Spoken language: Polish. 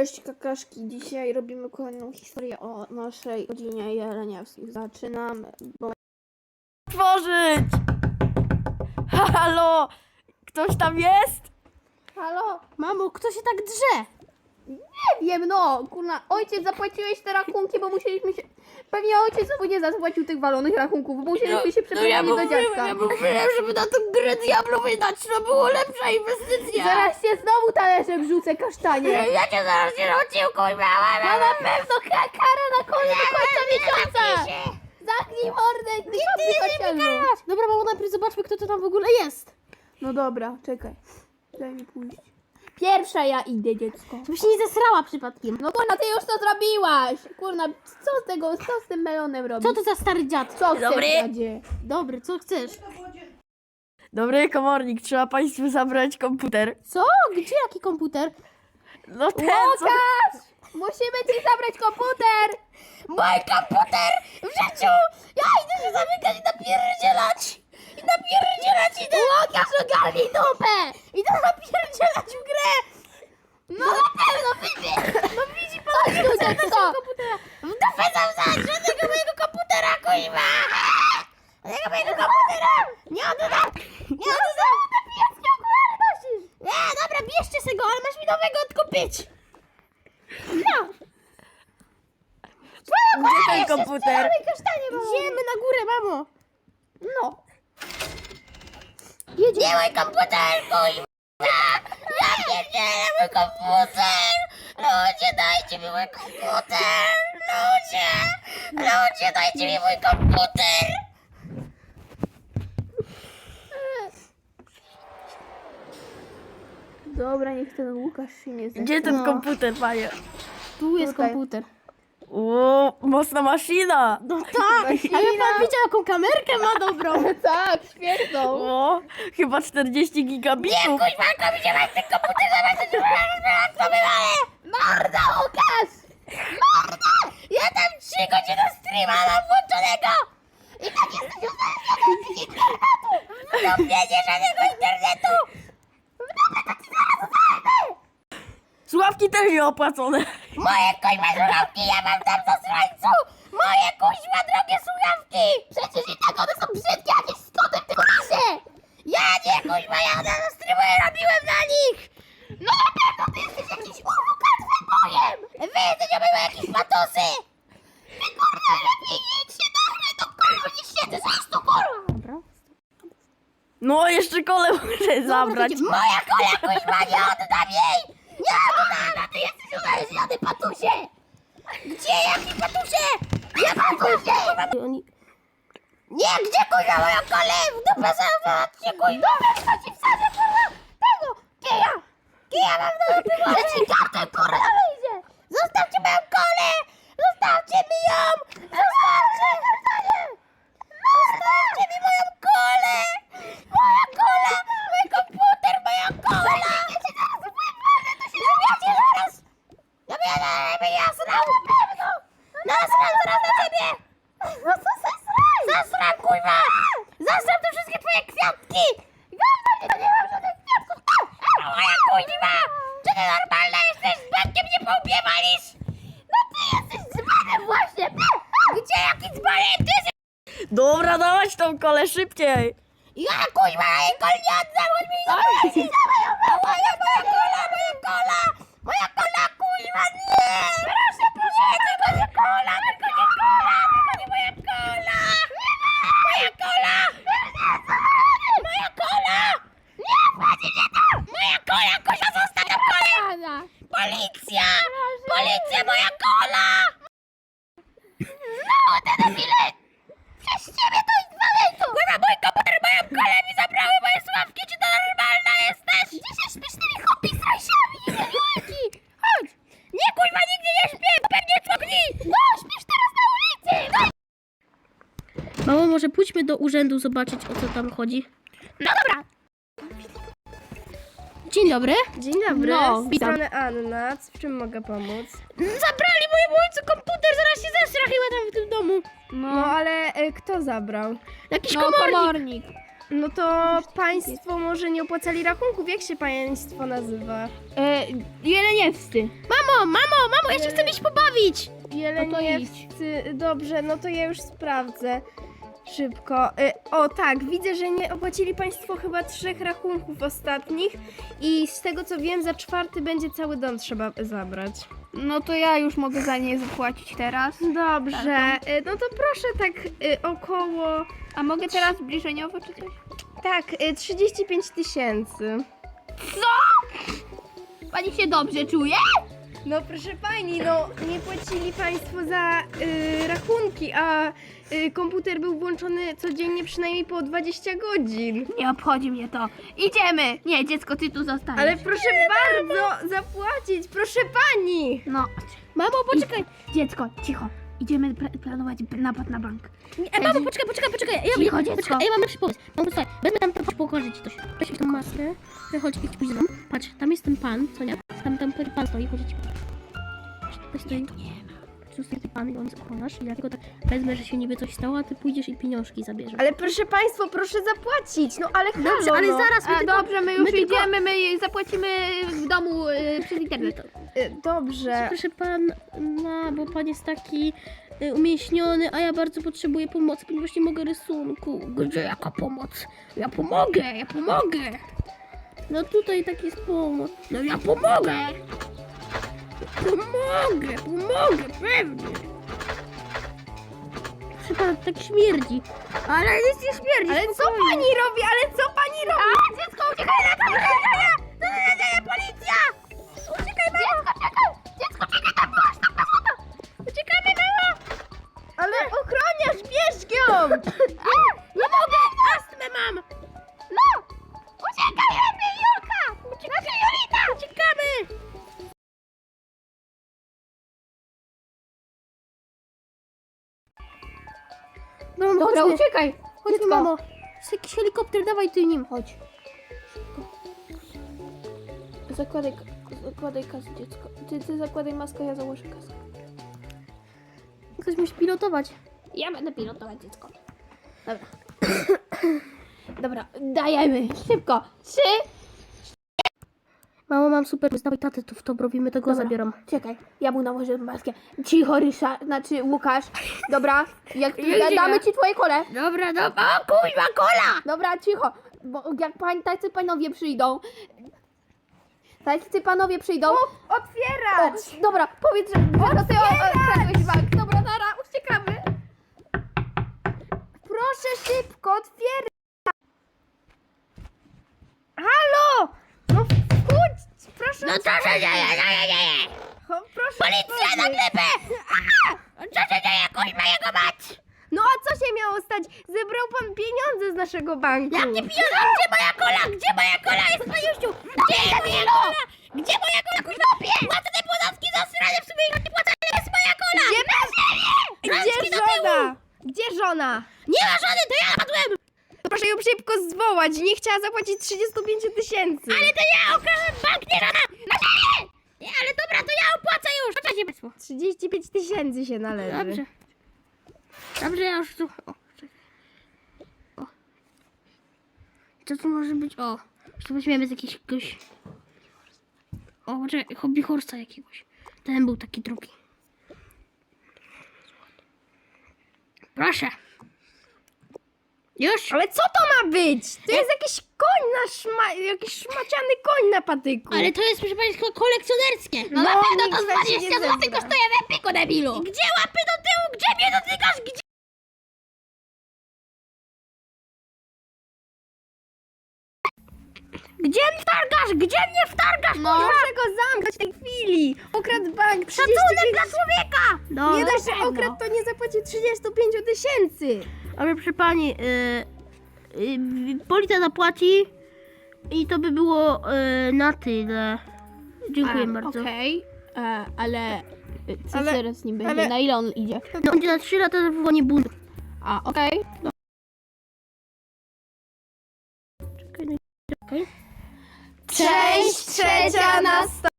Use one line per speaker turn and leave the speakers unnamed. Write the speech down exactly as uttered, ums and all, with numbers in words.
Cześć kakaszki, dzisiaj robimy kolejną historię o naszej rodzinie Jeleniewskich. Zaczynamy, bo...
Tworzyć! Halo! Ktoś tam jest?
Halo?
Mamo, kto się tak drze?
Nie wiem, no, kurna, ojciec zapłaciłeś te rachunki, bo musieliśmy się... Pewnie ojciec znowu nie zapłacił tych walonych rachunków, bo musieliśmy się przeprowadzić do dziadka.
ja mówiłem, żeby na tą grę Diablo wydać, to była lepsza inwestycja.
Zaraz cię znowu talerzem wrzucę, kasztanie.
Ja cię zaraz nie nauczył, kurwa.
No na pewno ka- kara na koniec do końca miesiąca. Zamknij mordę, ty papy.
Dobra, mamo, najpierw zobaczmy, kto to tam w ogóle jest.
No dobra, czekaj. Daj mi pójść. Pierwsza ja idę, dziecko.
Żebyś się nie zesrała przypadkiem.
No kurna, ty już to zrobiłaś! Kurna, co z tego, co z tym melonem robisz?
Co to za stary dziad?
Co chcesz,
Dobry.
dziadzie?
Dobry, co chcesz?
Dobry komornik, trzeba państwu zabrać komputer.
Co? Gdzie jaki komputer?
No ten, co...
Łukasz! Musimy ci zabrać komputer!
Mój komputer w życiu! Ja idę się zamykać i napierdzielać! I napierdzielać idę!
Łukasz, ogarnij dupę! Idę napierdzielać w grę! No na pewno widzi! No widzi pan, dziecko!
W dupę sam zaś! Żadnego mojego komputera, kuźwa! Żadnego mojego komputera! Nie oddam! Nie oddam!
Jakie okulary nosisz? Nie, dobra, bierzcie se go, ale masz mi nowego odkupić. No.
Gdzie ten komputer?
Idziemy na górę, mamo.
No.
Nie mój komputer, kuźwa! Ja pierdzielę mój komputer! Ludzie, dajcie mi mój komputer! Ludzie! Ludzie, dajcie mi mój komputer!
Dobra, niech ten Łukasz się nie zechce.
Gdzie ten
No.
komputer, panie?
Tu jest
Tutaj.
komputer.
O, mocna maszyna!
No tak, a ja pan widział, jaką kamerkę ma dobrą.
Tak, świetną.
O, chyba czterdzieści gigabitów. Nie, kuźwa, jak mi się masz ten komputer, zamiast to wywalę!
Morda, Łukasz!
Morda! Ja tam trzy godziny streama mam włączonego! I tak jestem uzależniony od internetu! W dupie nie żadnego internetu! W dupie to ci zaraz uzależnię! Słuchawki też nie opłacone. Moje kuźwa słuchawki, ja mam tam za słońcu! Moje kuźwa drogie słuchawki! Przecież i tak one są brzydkie, jakieś skoty w tym razie! Ja nie kuźwa, ja na streamuję, robiłem na nich! No na pewno ty jesteś jakiś uwukat wybojem! Wy jesteście były jakieś patusy! Ty kurwa lepiej idź się nagraj do kurwa, nie siedzę zaraz tu kurwa!
Dobra.
No jeszcze kole muszę zabrać. Moja kola kuźwa, nie oddam jej! Nie oddam! Ty jesteś uzależniony, patusie! Gdzie jaki patusie? Nie patusie!
Oni...
Nie, gdzie kurwa moją kolę? W dupę zaraz kuźwa! Co ci wsadzę kurwa? Tego! Kija! Kija mam do dupy, może ci kartę kurwa wyjdzie! Zostawcie moją kolę! Zostawcie mi ją! Zostawcie! Zostawcie mi moją kolę! Moja kola! Mój komputer, moja kola! Ja cię zaraz wypłynę, to się zrobicie zaraz! Ja będę ja jasrał! Na pewno! Nasram zaraz na ciebie! No co zasram? Zasram, kurwa! Zasram te wszystkie twoje kwiatki! Gówno mnie, to nie mam żadnych kwiatków! Moja kuźwa! Czy ty normalna jesteś? Z bankiem nie poubiewalisz? No ty jesteś dzbanem właśnie! Gdzie jaki dzbanem? Ty jesteś... Dobra, dawać tą kolę szybciej! Ja kuźwa, ja jej kol nie oddam, chodź mi zabrać! Moja, moja kola, moja kola! Moja kola, kuźwa, nie! Proszę, proszę, nie, tylko nie kola, tylko nie kola, tylko nie moja kola! Moja kola! Moja kola! Nie, wchodzi mnie to! Moja kola, kuźwa, zostaw tą kolę! Policja! Policja, moja kola! Znowu te debile! Przez ciebie to jest walejko! Kurwa, mój komputer, moją kolę mi zabrały moje sławki, czy to normalna jesteś? Gdzie się śpisz z tymi chłopi z rajsiami, nie Chodź! Nie, kurwa, nigdzie nie śpię, pewnie człokni! No, śpisz teraz na ulicy! No.
Mamo, może pójdźmy do urzędu zobaczyć, o co tam chodzi.
No dobra!
Dzień dobry.
Dzień dobry,
No,
z
witam.
strony Anna. W czym mogę pomóc?
Zabrali mojemu ojcu komputer, zaraz się zesra chyba tam w tym domu.
No ale y, kto zabrał?
Jakiś
No,
komornik.
komornik.
No to państwo może nie opłacali rachunków. Jak się państwo nazywa?
E, Jeleniewscy.
Mamo, mamo, mamo, ja się chcę iść pobawić.
Jeleniewscy. Dobrze, no to ja już sprawdzę. Szybko. Y, O tak, widzę, że nie opłacili państwo chyba trzech rachunków ostatnich i z tego co wiem, za czwarty będzie cały dom trzeba zabrać.
No to ja już mogę za nie zapłacić teraz.
Dobrze, y, no to proszę tak y, około,
A mogę teraz zbliżeniowo czy coś?
tak, y, trzydzieści pięć tysięcy.
Pani się dobrze czuje?
No proszę pani, no nie płacili państwo za y, rachunki, a y, komputer był włączony codziennie przynajmniej po dwadzieścia godzin.
Nie obchodzi mnie to. Idziemy! Nie, dziecko, ty tu zostaniesz.
Ale proszę bardzo zapłacić, proszę pani!
No.
Mamo, poczekaj.
Dziecko, cicho. Idziemy pla- planować napad na bank.
E, mamo, poczekaj, poczekaj, poczekaj. Ja,
Cicho,
ja,
dziecko.
poczekaj, ja mam lepszy pomysł. Mamo, słuchaj, wezmę tam, chodź, pokażę ci coś. Weź mi tą maskę. Ja chodź, idź pójdź ze mną. Patrz, tam jest ten pan, co nie? Tam, tam pan stoi, chodź, ci pokażę. Tutaj stoi. Tu stoi ten pan i on zakładasz. I ja tylko tak wezmę, że się niby coś stało, a ty pójdziesz i pieniążki zabierzesz.
Ale proszę państwo, proszę zapłacić, no ale halo,
Dobrze, ale
no.
zaraz, my
A,
tylko,
dobrze, my już
my tylko-
idziemy, my zapłacimy w domu y, przez internet.
Y, Dobrze.
Proszę pan, no, bo pan jest taki y, umięśniony, a ja bardzo potrzebuję pomocy, ponieważ nie mogę rysunku. Gdzie jaka pomoc? Ja pomogę, ja pomogę. No tutaj tak jest pomoc. No ja pomogę. Pomogę, pomogę, pewnie. Proszę pan, tak śmierdzi. Ale nic nie śmierdzi.
Ale co
spokojnie.
pani robi, ale co pani robi?
A, dziecko, uciekaj na to, uciekaj! To nie dzieje, policja! Uciekaj, mamo! Dziecko, czekaj! Dziecko, czekaj, tam byłaś, tam byłaś, tam! Uciekamy, mamo!
Ale ochroniarz, bierz ją!
A, nie mogę! Astmę mam! No! Uciekaj, lepiej, Julka! Uciekaj, Julita! Uciekamy! No,
Dobra,
chodźmy.
uciekaj.
Chodźmy,
Dziecko.
mamo. Jest jakiś helikopter, dawaj ty nim.
Chodź. Zakładaj, zakładaj kasę, dziecko. Ty, ty zakładaj maskę, ja założę kasę.
Ktoś musi pilotować. Ja będę pilotować, dziecko.
Dobra. Dobra, dajemy. Szybko. Trzy.
Mamo, mam super, dawaj tatę, to w to robimy, tego
Dobra.
zabieram.
Czekaj, ja mu nałożę maskę. Cicho, Ryszard, znaczy Łukasz. Dobra, jak
Jedzie.
da, damy ci twoje kole.
Dobra, dobra. O, kuźwa, kola!
Dobra, cicho. Bo jak pań, tacy panowie przyjdą. Tacy panowie przyjdą.
Otwierać!
O, dobra, powiedz, że, że ty okradłeś bank. Dobra, nara, uciekamy.
Proszę szybko, otwierać! Halo! No wchódź, proszę
No co się dzieje, dzieje, dzieje?
O, proszę
Policja na
otworzyć.
glebę! Co się dzieje, kuźwa, jego mać?
No a co się miało stać? Zebrał pan pieniądze z naszego banku.
Jakie pieniądze? Gdzie moja kola? Gdzie moja kola jest, paniusiu? Gdzie jest moja kola? Gdzie moja kola, kuźwa? Płacę te podatki za sranie, w sumie ich nie płacę, ale jest moja kola!
Gdzie,
Rączki
gdzie
do tyłu!
żona? Gdzie żona?
Nie ma żony, to ja padłem!
Proszę ją szybko zwołać, nie chciała zapłacić trzydzieści pięć tysięcy.
Ale to ja okradłem bank, nie żona! Na ziemię! Nie, ale dobra, to ja opłacę już! Proszę się państwo.
trzydzieści pięć tysięcy się należy.
Dobrze. Dobrze, ja już tu... O, czekaj. O. Co tu może być? O, to weźmiemy z jakiegoś... O, poczekaj, hobby horsa jakiegoś. Ten był taki drugi. Proszę. Już?
Ale co to ma być? To jest jakiś koń na szma... jakiś szmaciany koń na patyku.
Ale to jest, proszę państwa, kolekcjonerskie. No,
No,
na pewno
nikt
to z
tak się
dwadzieścia
nie
złotych
zezna.
kosztuje w Epiku, debilu. Gdzie łapy do tyłu? Gdzie mnie dotykasz? Gdzie? Gdzie mnie wtargasz? Gdzie mnie wtargasz?
No.
Proszę go zamknąć w tej chwili. Okradł bank trzydzieści
Szacunek
pięć...
dla człowieka! No,
Nie
na
dość, że
pewno.
okradł, to nie zapłacił trzydzieści pięć tysięcy.
Ale proszę pani, yy, yy, policja zapłaci i to by było yy, na tyle. Dziękuję
A,
bardzo.
Okej, e, ale y, co
Ale-
teraz z nim będzie?
ale-
Na ile on idzie?
No będzie na trzy lata zawołanie buntu.
A, okej.
Czekaj, no i- czekaj.
Cześć, trzecia na sto.